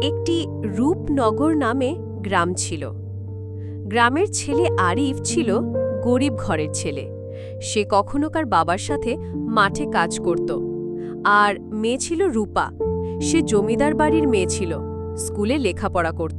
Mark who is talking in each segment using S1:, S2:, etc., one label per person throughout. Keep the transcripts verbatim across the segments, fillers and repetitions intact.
S1: একটি রূপনগর নামে গ্রাম ছিল। গ্রামের ছেলে আরিফ ছিল গরিব ঘরের ছেলে। সে কখনো কার বাবার সাথে মাঠে কাজ করত। আর মেয়ে ছিল রূপা। সে জমিদার বাড়ির মেয়ে ছিল, স্কুলে লেখাপড়া করত।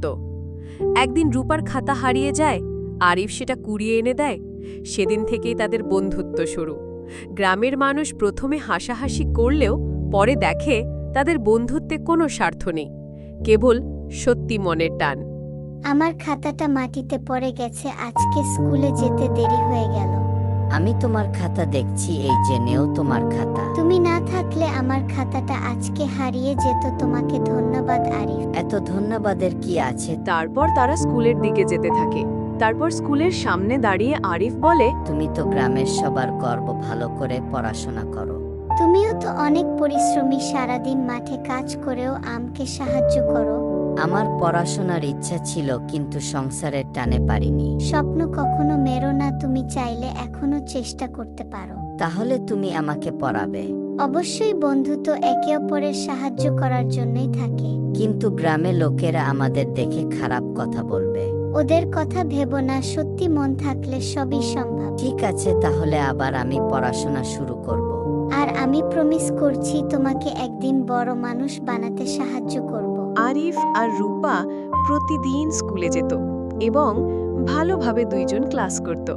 S1: একদিন রূপার খাতা হারিয়ে যায়, আরিফ সেটা কুড়িয়ে এনে দেয়। সেদিন থেকেই তাদের বন্ধুত্ব শুরু। গ্রামের মানুষ প্রথমে হাসাহাসি করলেও পরে দেখে তাদের বন্ধুত্বে কোনো স্বার্থ নেই, কেবল সত্যি মনের টান।
S2: আমার খাতাটা মাটিতে পড়ে গেছে, আজকে স্কুলে যেতে দেরি হয়ে গেল।
S3: আমি তোমার খাতা দেখছি, এই যে নেও তোমার খাতা।
S2: তুমি না থাকলে আমার খাতাটা আজকে হারিয়ে যেত। তোমাকে ধন্যবাদ আরিফ।
S3: এত ধন্যবাদের কি আছে?
S1: তারপর তারা স্কুলের দিকে যেতে থাকে। তারপর স্কুলের সামনে দাঁড়িয়ে আরিফ বলে,
S3: তুমি তো গ্রামের সবার গর্ব, ভালো করে পড়াশোনা করো।
S2: তুমিও তো অনেক পরিশ্রমী, সারাদিন মাঠে কাজ করেও আমাকে সাহায্য করো।
S3: আমার পড়াশোনার ইচ্ছা ছিল, কিন্তু সংসারের টানে পারিনি।
S2: স্বপ্ন কখনো মেরো না, তুমি চাইলে এখনো চেষ্টা করতে পারো।
S3: তাহলে তুমি আমাকে পড়াবে?
S2: অবশ্যই, বন্ধু তো একে অপরের সাহায্য করার জন্যই থাকে।
S3: কিন্তু গ্রামে লোকেরা আমাদের দেখে খারাপ কথা বলবে।
S2: ওদের কথা ভেবো না, সত্যি মন থাকলে সবই সম্ভব।
S3: ঠিক আছে, তাহলে আবার আমি পড়াশোনা শুরু করব।
S2: আর আমি প্রমিস করছি তোমাকে একদিন বড় মানুষ বানাতে সাহায্য করব।
S1: আরিফ আর রূপা প্রতিদিন স্কুলে যেত এবং ভালোভাবে দুইজন ক্লাস করত।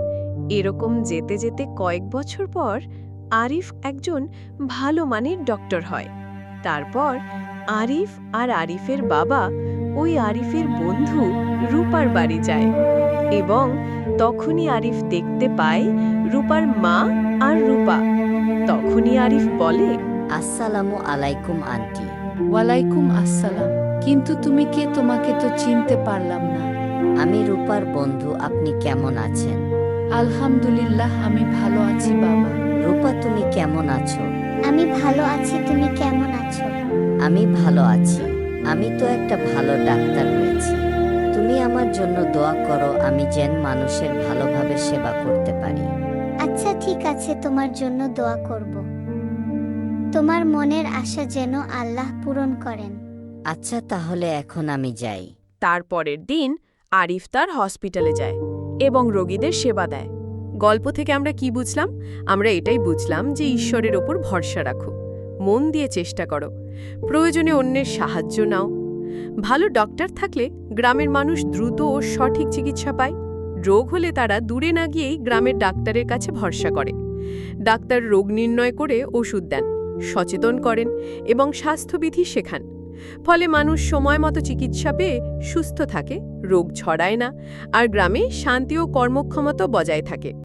S1: এরকম যেতে যেতে কয়েক বছর পর আরিফ একজন ভালো মানের ডক্টর হয়। তারপর আরিফ আর আরিফের বাবা ওই আরিফের বন্ধু রূপার বাড়ি যায় এবং তখনই আরিফ দেখতে পায় রূপার মা আর রূপা। তখনই আরিফ বলে,
S3: আসসালামু আলাইকুম আন্টি।
S4: ওয়ালাইকুম আসসালাম। কিন্তু তুমি কে? তোমাকে তো চিনতে পারলাম না।
S3: আমি রূপার বন্ধু। আপনি কেমন আছেন?
S4: আলহামদুলিল্লাহ, আমি ভালো আছি বাবা।
S3: রূপা, তুমি কেমন আছো?
S2: আমি ভালো আছি, তুমি কেমন আছো?
S3: আমি ভালো আছি। আমি তো একটা ভালো ডাক্তার হয়েছি। তুমি আমার জন্য দোয়া করো, আমি যেন মানুষের ভালোভাবে সেবা করতে পারি।
S2: আচ্ছা ঠিক আছে, তোমার জন্য দোয়া করব। তোমার মনের আশা যেন আল্লাহ পূরণ করেন।
S3: আচ্ছা, তাহলে এখন আমি যাই।
S1: তারপরের দিন আরিফ তার হসপিটালে যায় এবং রোগীদের সেবা দেয়। গল্প থেকে আমরা কি বুঝলাম? আমরা এটাই বুঝলাম যে ঈশ্বরের ওপর ভরসা রাখো, মন দিয়ে চেষ্টা করো, প্রয়োজনে অন্যের সাহায্য নাও। ভালো ডক্টর থাকলে গ্রামের মানুষ দ্রুত ও সঠিক চিকিৎসা পায়। রোগ হলে তারা দূরে না গিয়েই গ্রামের ডাক্তারের কাছে ভরসা করে। ডাক্তার রোগ নির্ণয় করে ওষুধ দেন, সচেতন করেন এবং স্বাস্থ্যবিধি শেখান। ফলে মানুষ সময় মতো চিকিৎসা পেয়ে সুস্থ থাকে, রোগ ছড়ায় না, আর গ্রামে শান্তি ও কর্মক্ষমতা বজায় থাকে।